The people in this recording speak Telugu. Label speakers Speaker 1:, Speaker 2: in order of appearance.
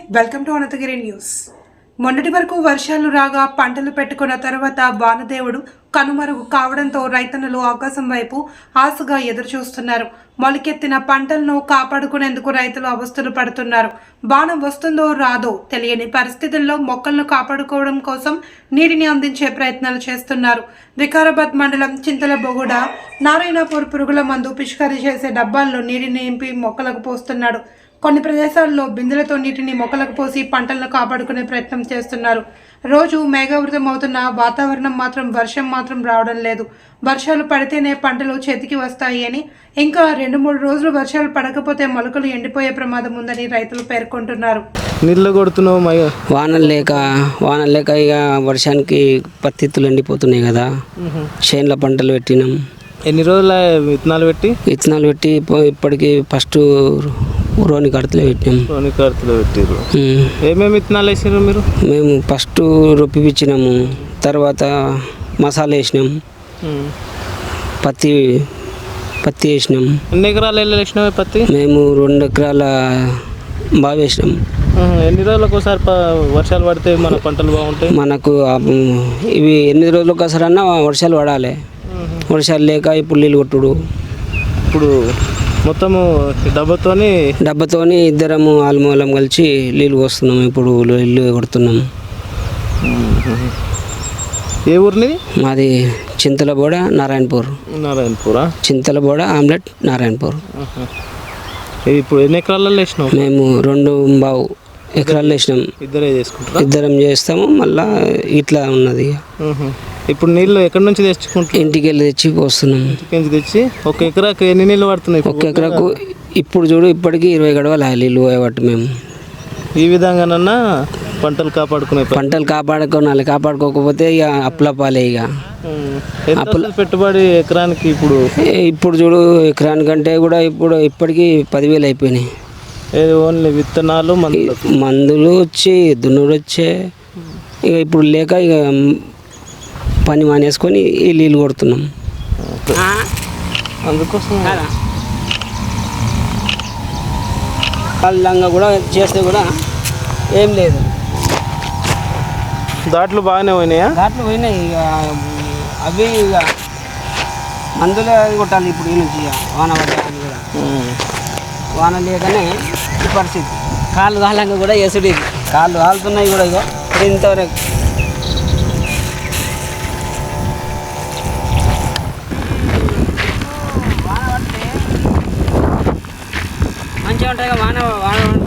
Speaker 1: Welcome to Anantagiri news. మొన్నటి వరకు వర్షాలు రాగా పంటలు పెట్టుకున్న తర్వాత వానదేవుడు కనుమరుగు కావడంతో రైతన్నలు ఆకాశం వైపు ఆశగా ఎదురుచూస్తున్నారు. మొలకెత్తిన పంటలను కాపాడుకునేందుకు రైతులు అవస్థలు పడుతున్నారు. వాన వస్తుందో రాదో తెలియని పరిస్థితుల్లో మొక్కలను కాపాడుకోవడం కోసం నీటిని అందించే ప్రయత్నాలు చేస్తున్నారు. వికారాబాద్ మండలం చింతలబొగుడ నారాయణపూర్ పురుగుల మందు పిచికారీ చేసే డబ్బాల్లో నీటిని నింపి మొక్కలకు పోస్తున్నాడు. కొన్ని ప్రదేశాల్లో బిందెలతో నీటిని మొక్కలకు పోసి పంటలను కాపాడుకునే ప్రయత్నం చేస్తున్నారు. రోజు మేఘావృతం అవుతున్న వాతావరణం మాత్రం వర్షం మాత్రం రావడం లేదు. వర్షాలు పడితేనే పంటలు చేతికి వస్తాయి అని, ఇంకా 2-3 రోజులు వర్షాలు పడకపోతే మొలకలు ఎండిపోయే ప్రమాదం ఉందని రైతులు పేర్కొంటున్నారు.
Speaker 2: నీళ్ళు కొడుతున్నావు,
Speaker 3: వానలు లేక ఇక వర్షానికి పత్తిత్తులు ఎండిపోతున్నాయి కదా. చేనుల పంటలు పెట్టినాం.
Speaker 2: ఎన్ని రోజుల విత్తనాలు పెట్టి
Speaker 3: ఇప్పటికి ఫస్ట్ రోని కడతలే పెట్టినాం.
Speaker 2: పెట్టారు. ఏమేమి విత్తనాలు వేసారు మీరు?
Speaker 3: మేము ఫస్ట్ రొప్పిపించినాము, తర్వాత మసాలా వేసినాం, పత్తి వేసినాం.
Speaker 2: ఎన్ని ఎకరాలు వేసినావు పత్తి?
Speaker 3: మేము 2 ఎకరాల బాగా వేసినాం.
Speaker 2: ఎన్ని రోజులకు ఒకసారి వర్షాలు పడితే మన పంటలు బాగుంటాయి?
Speaker 3: మనకు ఇవి 8 రోజులకు ఒకసారి అన్నా వర్షాలు పడాలి. వర్షాలు లేక ఇప్పుడు నీళ్ళు కొట్టుడు.
Speaker 2: ఇప్పుడు మొత్తము డబ్బతోని
Speaker 3: ఇద్దరము ఆల్మూలం కలిసి నీళ్ళు పోస్తున్నాము. ఇప్పుడు ఇల్లు కొడుతున్నాము.
Speaker 2: ఏ ఊరిని?
Speaker 3: మాది చింతలబోడ నారాయణపూర్. చింతలబోడ ఆమ్లెట్ నారాయణపూర్.
Speaker 2: ఇప్పుడు ఎన్ని ఎకరాలలో వేసినావు?
Speaker 3: మేము 2.5 ఎకరాలు వేసినాం. ఇద్దరం చేస్తాము. మళ్ళా ఇట్లా ఉన్నది.
Speaker 2: ఇప్పుడు నీళ్ళు ఎక్కడి నుంచి తెచ్చుకుంటాం?
Speaker 3: ఇంటికి వెళ్ళి తెచ్చి పోస్తున్నాం.
Speaker 2: తెచ్చి ఒక ఎకరాకు ఎన్ని నీళ్ళు పడుతున్నాయి?
Speaker 3: ఒక ఎకరాకు ఇప్పుడు చూడు ఇప్పటికీ 20 గడవలు నీళ్ళు పోయేవాటి. మేము
Speaker 2: ఈ విధంగానన్నా పంటలు
Speaker 3: కాపాడుకోవాలి. కాపాడుకోకపోతే ఇక అప్పులపాలే. ఇక
Speaker 2: పెట్టుబడి ఎకరానికి
Speaker 3: ఇప్పుడు చూడు ఎకరానికంటే కూడా ఇప్పటికీ 10,000 అయిపోయినాయి.
Speaker 2: ఓన్లీ విత్తనాలు
Speaker 3: మందులు వచ్చి దున్నుడు వచ్చే. ఇక ఇప్పుడు లేక ఇక పని మానేసుకొని ఈ నీళ్ళు కొడుతున్నాం.
Speaker 2: అందుకోసం
Speaker 3: కళ్ళంగా కూడా చేస్తే కూడా ఏం లేదు.
Speaker 2: దాంట్లో బాగానే పోయినాయా?
Speaker 3: దాంట్లో పోయినాయి. ఇక అవి ఇక మందులే కొట్టాలి ఇప్పుడు. ఈ నుంచి వాన పడ్డాయి కూడా. వాన లేకనే ఈ పరిస్థితి. కాళ్ళు కాలంగా కూడా ఎసుడు. కాళ్ళు కాలుతున్నాయి కూడా. ఇక ఇంతవరకు మంచిగా ఉంటాయి. వాన